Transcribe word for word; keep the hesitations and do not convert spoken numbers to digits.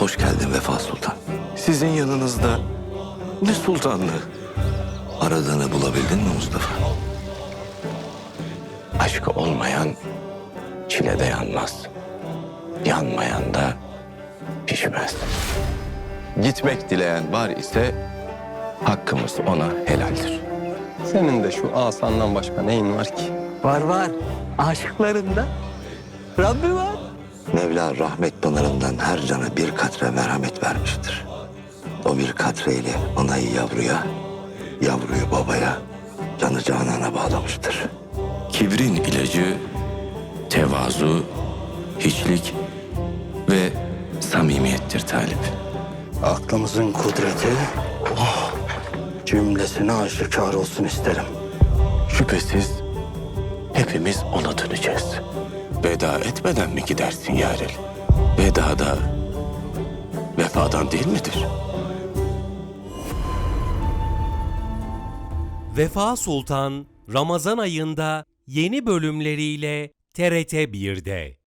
Hoş geldin Vefa Sultan. Sizin yanınızda ne sultanlığı? Aradığını bulabildin mi Mustafa? Aşkı olmayan çilede yanmaz. Yanmayan da pişmez. Gitmek dileyen var ise hakkımız ona helaldir. Senin de şu asandan başka neyin var ki? Var var. Aşıklarında Rabbi var. Mevla rahmet pınarından her cana bir katre merhamet vermiştir. O bir katreyle anayı yavruya, yavruyu babaya, canı canana bağlamıştır. Kibrin ilacı tevazu, hiçlik ve samimiyettir Talip. Aklımızın kudreti oh, cümlesine aşikar olsun isterim. Şüphesiz hepimiz ona döneceğiz. Veda etmeden mi gidersin Yarel? Veda da vefadan değil midir? Vefa Sultan Ramazan ayında yeni bölümleriyle T R T bir'de.